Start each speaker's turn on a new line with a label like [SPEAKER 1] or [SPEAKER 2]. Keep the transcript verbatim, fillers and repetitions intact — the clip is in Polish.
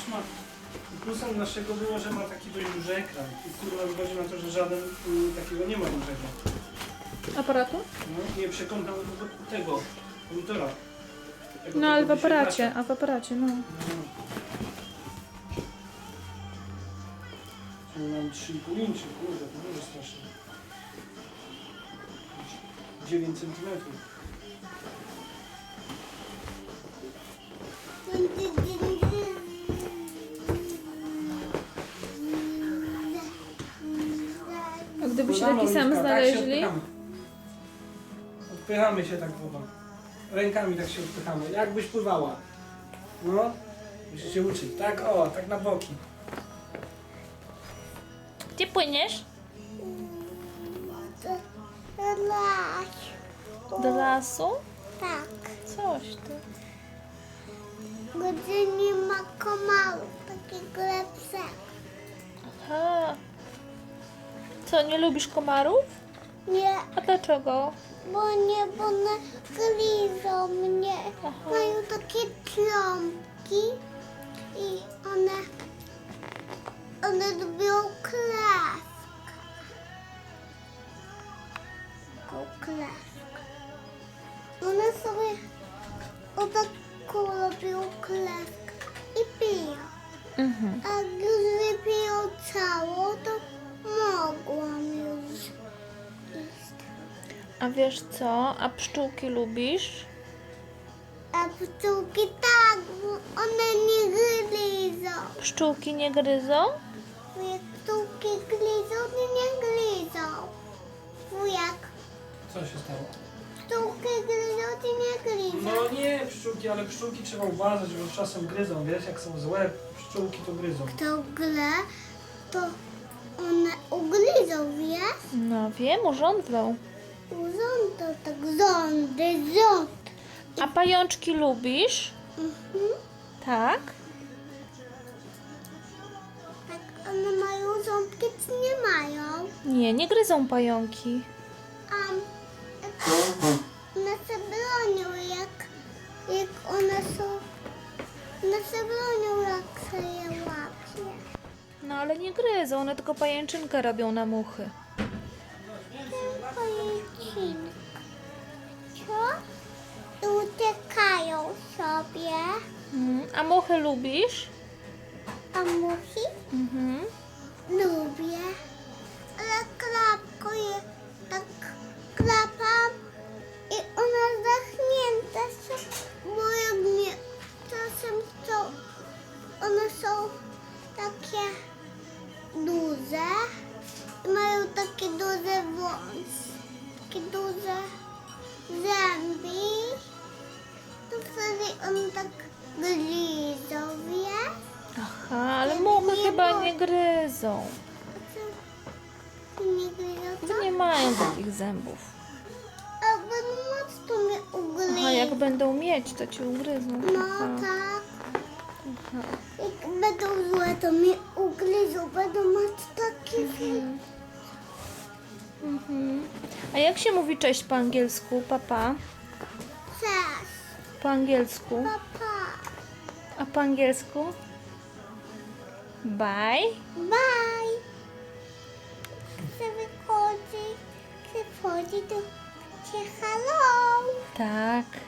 [SPEAKER 1] ma... Plusem naszego było, że ma taki dość duży ekran. I kurwa wychodzi na to, że żaden y, takiego nie ma dużego.
[SPEAKER 2] Aparatu?
[SPEAKER 1] No, nie przekątam do tego monitora. Tego,
[SPEAKER 2] No ale w
[SPEAKER 1] tego
[SPEAKER 2] aparacie,
[SPEAKER 1] wyświetlacza.
[SPEAKER 2] a w aparacie, no.
[SPEAKER 1] No. Czyli mam trzy i pół inczy, kurde, to nie jest straszne. dziewięć centymetrów.
[SPEAKER 2] A gdybyście
[SPEAKER 1] Pływamy,
[SPEAKER 2] taki sam
[SPEAKER 1] Oliwka, tak się
[SPEAKER 2] znaleźli?
[SPEAKER 1] odpychamy. Odpychamy się tak wodą. Rękami tak się odpychamy. Jakbyś pływała. No. Musisz się uczyć. Tak, o, tak na boki.
[SPEAKER 2] Gdzie płyniesz?
[SPEAKER 3] Las.
[SPEAKER 2] Do lasu?
[SPEAKER 3] Tak.
[SPEAKER 2] Coś ty.
[SPEAKER 3] Gdzie nie ma komarów, takiego lepszego.
[SPEAKER 2] Aha. Co, nie lubisz komarów?
[SPEAKER 3] Nie,
[SPEAKER 2] A dlaczego?
[SPEAKER 3] bo nie, bo one gryzą mnie.
[SPEAKER 2] Aha.
[SPEAKER 3] Mają takie trąbki i one, one lubią krew. Taką krew. One sobie o taką robią krew i piją.
[SPEAKER 2] Mhm.
[SPEAKER 3] A gdy wypiją całą, to mogłam już iść.
[SPEAKER 2] A wiesz co? A pszczółki lubisz?
[SPEAKER 3] A pszczółki tak, bo one nie gryzą.
[SPEAKER 2] Pszczółki nie gryzą?
[SPEAKER 3] Jak pszczółki gryzą, to nie gryzą. Wujek,
[SPEAKER 1] Co się stało?
[SPEAKER 3] pszczółki gryzą, to nie gryzą.
[SPEAKER 1] No nie pszczółki, ale pszczółki trzeba uważać, bo czasem gryzą, wiesz, jak są złe pszczółki to gryzą.
[SPEAKER 3] To grę, to one ugryzą, wiesz?
[SPEAKER 2] No wiem, urządzą.
[SPEAKER 3] Urządzą tak rządy, rząd.
[SPEAKER 2] A pajączki lubisz?
[SPEAKER 3] Mhm.
[SPEAKER 2] Tak?
[SPEAKER 3] Tak, one mają ząbki, czy nie mają?
[SPEAKER 2] Nie, nie gryzą pająki.
[SPEAKER 3] A one się bronią, jak, jak one są, one się bronią, jak się je łapie.
[SPEAKER 2] No ale nie gryzą, one tylko pajęczynkę robią na muchy.
[SPEAKER 3] Tylko jęczynka. Co? I uciekają sobie,
[SPEAKER 2] Mhm. A muchy lubisz?
[SPEAKER 3] a musi
[SPEAKER 2] Mhm.
[SPEAKER 3] lubię. Ale klapko je tak klapam i one zachnięte są, bo jak nie, czasem są, one są takie duże i mają takie duże wąsy, takie duże zęby, to wtedy one tak gryzą, wiesz?
[SPEAKER 2] Aha, ale muchy chyba nie gryzą.
[SPEAKER 3] A co? Nie gryzą, co?
[SPEAKER 2] Nie mają takich zębów.
[SPEAKER 3] A będą mocno mnie ugryzą.
[SPEAKER 2] Aha, jak będą mieć, to ci ugryzą.
[SPEAKER 3] No
[SPEAKER 2] Aha.
[SPEAKER 3] tak. Jak będą złe, to mnie ugryzą. Będą mieć takie
[SPEAKER 2] Mhm. Mhm. A jak się mówi cześć po angielsku, papa?
[SPEAKER 3] Cześć,
[SPEAKER 2] Po angielsku.
[SPEAKER 3] papa.
[SPEAKER 2] A po angielsku? Bye.
[SPEAKER 3] Bye. Chcę wychodzi, chcę wchodzi, to cię hello.
[SPEAKER 2] Tak.